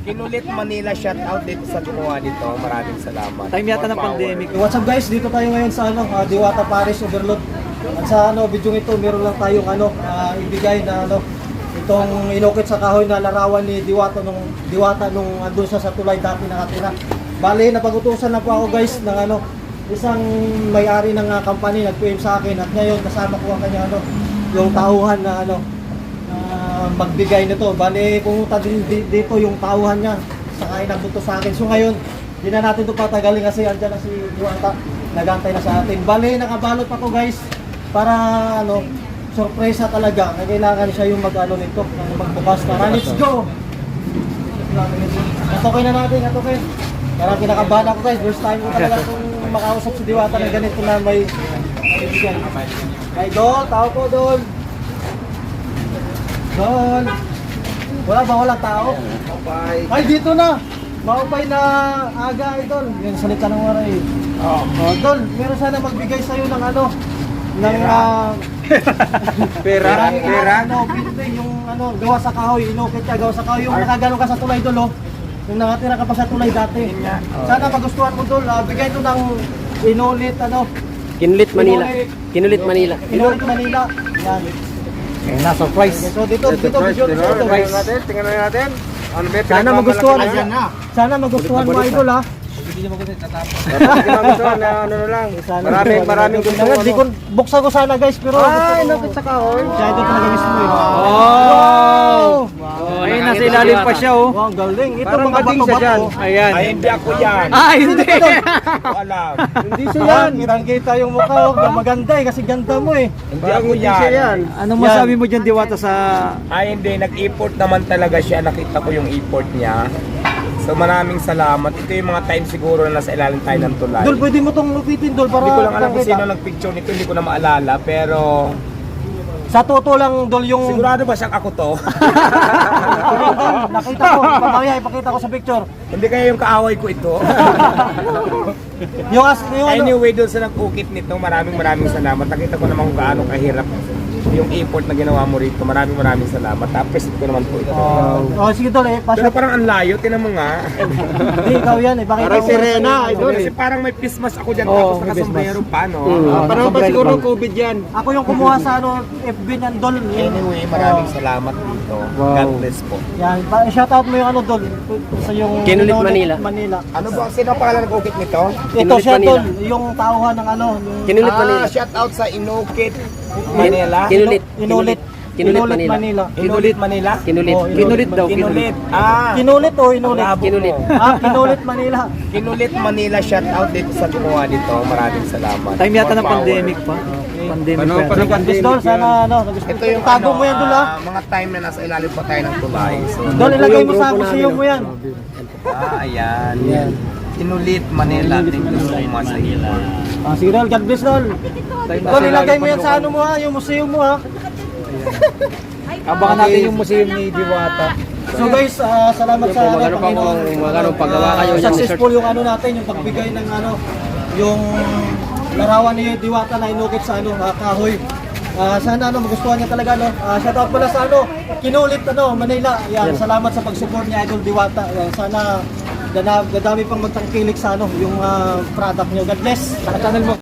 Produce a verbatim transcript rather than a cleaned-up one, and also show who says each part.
Speaker 1: Kinulit Manila, shout out dito sa gumawa nito. Maraming salamat.
Speaker 2: Time yata
Speaker 1: More
Speaker 2: ng
Speaker 1: power.
Speaker 2: pandemic.
Speaker 3: What's up guys, dito tayo ngayon sa ano, ah, Diwata Paris Overload. At sa ano, video ito, meron lang tayong ano, ah, ibigay na ano, itong inukit sa kahoy na larawan ni Diwata nung Diwata nung andun siya sa tulay dati nakatira. Bale, napag-utusan na po ako guys ng ano, isang may-ari ng uh, company nag-P M sa akin at ngayon kasama ko ang kanya ano, yung tauhan na ano, na magbigay nito. Bale, pumunta din di- dito yung tauhan niya, saka inagbuto sa akin. So ngayon, hindi na natin ito patagalin kasi andyan na si Diwata, nagantay na sa atin. Bale, nakabalot pa ko guys para ano, sorpresa talaga. Kailangan siya yung mag-ano nito, magbukas para. Let's go! Atokin na natin, atokin. Parang kinakabahan ako guys, first time ko talaga kung makausap si Diwata na ganito na may ibigay. Ay, Dol, tao ko, Dol. Dol. Wala ba, walang tao? Ay, dito na. Maupay na aga, Idol. Yan, salita ng waray. Oh, oh, Dol, meron sana magbigay sa'yo ng ano, ng uh,
Speaker 1: Pera, pera.
Speaker 3: Ano, pinto yung ano, gawa sa kahoy, inukit ka, gawa sa kahoy, yung nakagano ka sa tulay, Dol, oh. Yung nakatira ka pa sa tulay dati. Sana magustuhan mo, Dol. Uh, bigay ito ng inulit, ano.
Speaker 2: Kinulit Manila. Kinulit Manila.
Speaker 3: Inulit Manila. Yan.
Speaker 2: Eh, na surprise.
Speaker 3: Okay, so dito, dito, video, dito, dito.
Speaker 1: Tingnan natin, tingnan natin. Ano ba?
Speaker 3: Sana magustuhan,
Speaker 1: na.
Speaker 3: sana magustuhan mo, Idol, ha.
Speaker 1: Magustuhan na ano na lang. Maraming, maraming gusto
Speaker 3: Di
Speaker 1: ano.
Speaker 3: ko, buksan ko sana, guys, pero
Speaker 1: Ay,
Speaker 3: gusto ko.
Speaker 1: nakit sa kahoy.
Speaker 3: Siya ito talaga mismo, eh.
Speaker 2: Oh! Ayun, nasa ilalim pa siya, oh.
Speaker 3: Wow, ang galing. Ito
Speaker 1: Parang
Speaker 3: mga
Speaker 1: bading siya
Speaker 3: bato-bato.
Speaker 1: dyan.
Speaker 2: Ayan.
Speaker 1: Ay, hindi ako yan.
Speaker 2: Ah, hindi.
Speaker 1: Ko alam.
Speaker 3: Hindi siya yan. Kitang-kita yung mukha, oh. Maganda eh, kasi ganda mo eh.
Speaker 1: Hindi ako yan.
Speaker 2: Ano masabi mo dyan, Diwata, sa...
Speaker 1: Ay, hindi. Nag-import naman talaga siya. Nakita ko yung import niya. So, maraming salamat. Ito yung mga time siguro na nasa ilalim tayo ng tulay.
Speaker 3: Dol, pwede mo tong lupitin, Dol, para
Speaker 1: Hindi ko lang alam kung
Speaker 3: makita.
Speaker 1: sino nag-picture nito. Hindi ko na maalala. Pero,
Speaker 3: Sa totoo lang, Dol, yung...
Speaker 1: sigurado ba siyang ako to?
Speaker 3: Dol, nakita ko, mamaya ipakita ko sa picture.
Speaker 1: Hindi kaya yung kaaway ko ito.
Speaker 3: Yung as, yung ano,
Speaker 1: Anyway, doon sa nag-ukit nito, maraming maraming salamat. Nakita ko naman kung gaano kahirap yung import na ginawa mo rito. Maraming maraming salamat. Appreciate ko naman po ito.
Speaker 3: oh, sige, Dol, eh,
Speaker 1: Pero
Speaker 3: pasok.
Speaker 1: parang ang layo, tinan mo nga.
Speaker 3: Hindi, ikaw yan, eh, pakita
Speaker 1: Parang
Speaker 3: ko.
Speaker 1: sirena,
Speaker 3: Ano,
Speaker 1: idol. Kasi parang may Christmas ako dyan,
Speaker 3: Oo,
Speaker 1: tapos
Speaker 3: may
Speaker 1: nakasombrero pa, no?
Speaker 3: Ah,
Speaker 1: parang
Speaker 3: naka-
Speaker 1: pa siguro COVID yan.
Speaker 3: Ako yung kumuha sa ano, F B niyan, Dol.
Speaker 1: Anyway, maraming salamat dito. God bless po.
Speaker 3: Yan, pa- shout out mo yung ano, Dol, sa yung
Speaker 2: Kinulit
Speaker 3: Kinulit
Speaker 2: Manila.
Speaker 3: Manila.
Speaker 1: Ano ba? Sino ang pangalan ng ukit nito?
Speaker 3: Ito
Speaker 2: Kinulit
Speaker 3: siya,
Speaker 2: Manila.
Speaker 3: Dol, yung tauhan ng ano, yung
Speaker 2: Kinulit Manila.
Speaker 1: Ah, shout out sa Inukit Manila.
Speaker 2: Kinulit.
Speaker 3: Inulit.
Speaker 2: Kinulit Manila.
Speaker 1: Inulit Manila?
Speaker 2: Kinulit.
Speaker 3: Oh,
Speaker 2: Kinulit daw.
Speaker 1: Kinulit. Ah,
Speaker 3: Kinulit o inulit?
Speaker 1: Bravo.
Speaker 2: Kinulit.
Speaker 3: Ah, kinulit Manila.
Speaker 1: Kinulit Manila, shout out dito sa gumawa nito. Maraming salamat.
Speaker 2: Time yata
Speaker 1: More
Speaker 2: ng
Speaker 1: power.
Speaker 2: pandemic pa. Pandemic
Speaker 1: Ano,
Speaker 2: pa.
Speaker 1: parang
Speaker 3: Sige,
Speaker 1: pandemic
Speaker 3: Dol,
Speaker 1: yun.
Speaker 3: sana ano, nagustuhan.
Speaker 1: Ito yung
Speaker 3: Tago
Speaker 1: ano,
Speaker 3: mo yan, Dol, ha?
Speaker 1: ah, mga time na nasa ilalim pa tayo ng tulay. So,
Speaker 3: Dol, ilagay mo sa
Speaker 2: grupo
Speaker 3: museum
Speaker 2: namin,
Speaker 3: mo yan.
Speaker 1: ah, ayan. Kinulit Manila. Thank you so much sa iyo.
Speaker 3: Ah, sige, Dol, God bless, Dol. Dol, ilagay mo yan sa ano mo, ha? Yung museum mo, ha?
Speaker 2: Abangan natin yung museum ni Diwata.
Speaker 3: So guys, ah, salamat sa ano,
Speaker 2: Magkano pa
Speaker 3: Panginoon.
Speaker 2: kung magkano paggawa
Speaker 3: Ah,
Speaker 2: kayo dyan,
Speaker 3: successful yung ano natin, yung pagbigay ng ano, yung larawan ni Diwata na inukit sa ano, ah, kahoy. Ah, sana ano, magustuhan niya talaga, no. Ah, shout out pala sa ano, Kinulit ano, Manila. Yan, salamat sa pag-support ni Idol Diwata. Yan, sana dana, dadami pang magtangkilik sa ano, yung ah, product niyo. God bless. Sa channel mo.